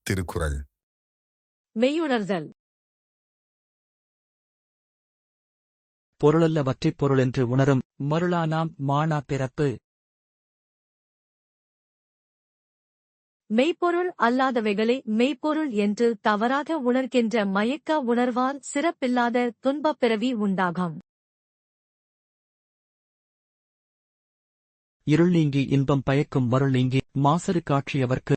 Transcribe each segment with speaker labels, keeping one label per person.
Speaker 1: திருக்குறள்.
Speaker 2: மெய்யுணர்தல்.
Speaker 3: பொருளல்லவற்றைப் பொருளென்று உணரும் மருளானாம் மாணா பிறப்பு.
Speaker 2: மெய்ப்பொருள் அல்லாதவைகளை மெய்ப்பொருள் என்று தவறாக உணர்கின்ற மயக்க உணர்வால் சிறப்பில்லாத துன்பப் பிறவி உண்டாகும்.
Speaker 3: இருள் நீங்கி இன்பம் பயக்கும் மருள் நீங்கி மாசறு காட்சியவர்க்கு.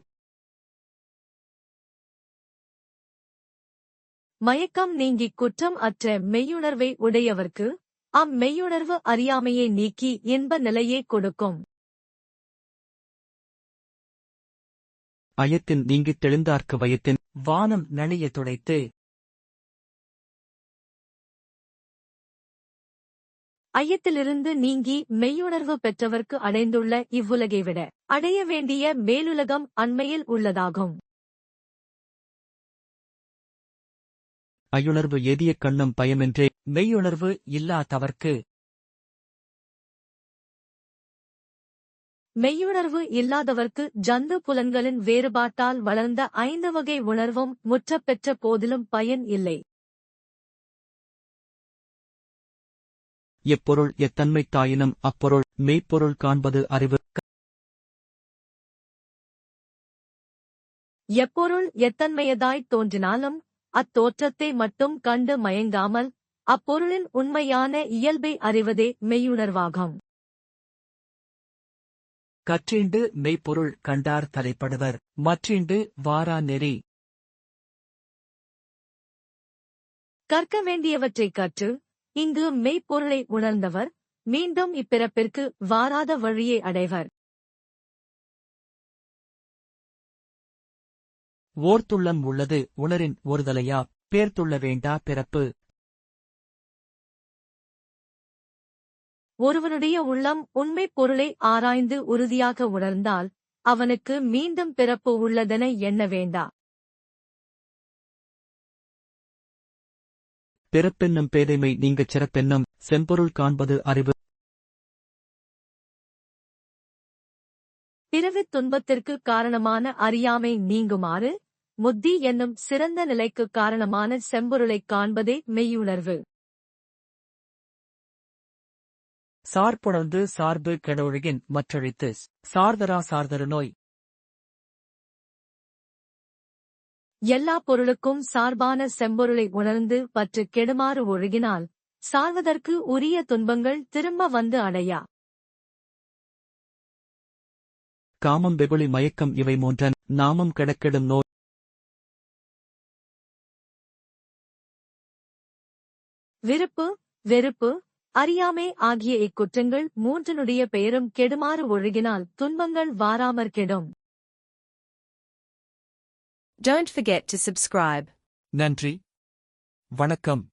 Speaker 2: மயக்கம் நீங்கிக் குற்றம் அற்ற மெய்யுணர்வை உடையவர்க்கு மெய்யுணர்வு அறியாமையை நீக்கி இன்ப நிலையை கொடுக்கும்.
Speaker 3: அயத்தின் நீங்கித் தெளிந்தார்க்கு வயத்தின் வானம் நனிய துடைத்து.
Speaker 2: ஐயத்திலிருந்து நீங்கி மெய்யுணர்வு பெற்றவர்க்கு அடைந்துள்ள இவ்வுலகை விட அடைய வேண்டிய மேலுலகம் அண்மையில் உள்ளதாகும்.
Speaker 3: ஐயுணர்வு எதிய கண்ணும் பயமென்றே மெய்யுணர்வு இல்லாதவர்க்கு.
Speaker 2: மெய்யுணர்வு இல்லாதவர்க்கு ஜந்து புலன்களின் வேறுபாட்டால் வளர்ந்த 5 வகை உணர்வும் முற்றப்பெற்ற போதிலும் பயன் இல்லை.
Speaker 3: எப்பொருள் எத்தன்மைத்தாயினும் அப்பொருள் மெய்ப்பொருள் காண்பது அறிவு.
Speaker 2: எப்பொருள் எத்தன்மையதாய்த் தோன்றினாலும் அத்தோற்றத்தை மட்டும் கண்டு மயங்காமல் அப்பொருளின் உண்மையான இயல்பை அறிவதே மெய்யுணர்வாகும்.
Speaker 3: கற்றீண்டு மெய்ப்பொருள் கண்டார் தலைப்படுவர் மற்றீண்டு வாரா நெறி.
Speaker 2: கற்க வேண்டியவற்றைக் கற்று இங்கு மெய்ப்பொருளை உணர்ந்தவர் மீண்டும் இப்பிறப்பிற்கு வாராத வழியை அடைவர்.
Speaker 3: ஓர்த்துள்ளம் உள்ளது உணரின் ஒருதலையா பேர்த்துள்ள வேண்டா பிறப்பு.
Speaker 2: ஒருவனுடைய உள்ளம் உண்மைப் பொருளை ஆராய்ந்து உறுதியாக உணர்ந்தால் அவனுக்கு மீண்டும் பிறப்பு உள்ளதென எண்ண வேண்டா.
Speaker 3: பிறப்பென்னும் பேதைமை நீங்கச் சிறப்பென்னும் செம்பொருள் காண்பது அறிவு.
Speaker 2: பிறவித் துன்பத்திற்கு காரணமான அறியாமை நீங்குமாறு முத்தி என்னும் சிறந்த நிலைக்குக் காரணமான செம்பொருளைக் காண்பதே மெய்யுணர்வு.
Speaker 3: சார்புணர்ந்து சார்பு கெடொழுகின் மற்றழித்து சார்தரா சார்தரு நோய்.
Speaker 2: எல்லா பொருளுக்கும் சார்பான செம்பொருளை உணர்ந்து பற்று கெடுமாறு ஒழுகினால் சார்வதற்கு உரிய துன்பங்கள் திரும்ப வந்து அடையா.
Speaker 3: காமம் வெகுளி மயக்கம் இவை மூன்றன் நாமம் கெடக்கெடும் நோய்.
Speaker 2: விருப்பு வெறுப்பு அறியாமை ஆகிய இக்குற்றங்கள் மூன்றினுடைய பெயரும் கெடுமாறு ஒழுகினால் துன்பங்கள் வாராமற் கெடும்.
Speaker 4: Don't forget to subscribe.
Speaker 3: நன்றி. வணக்கம்.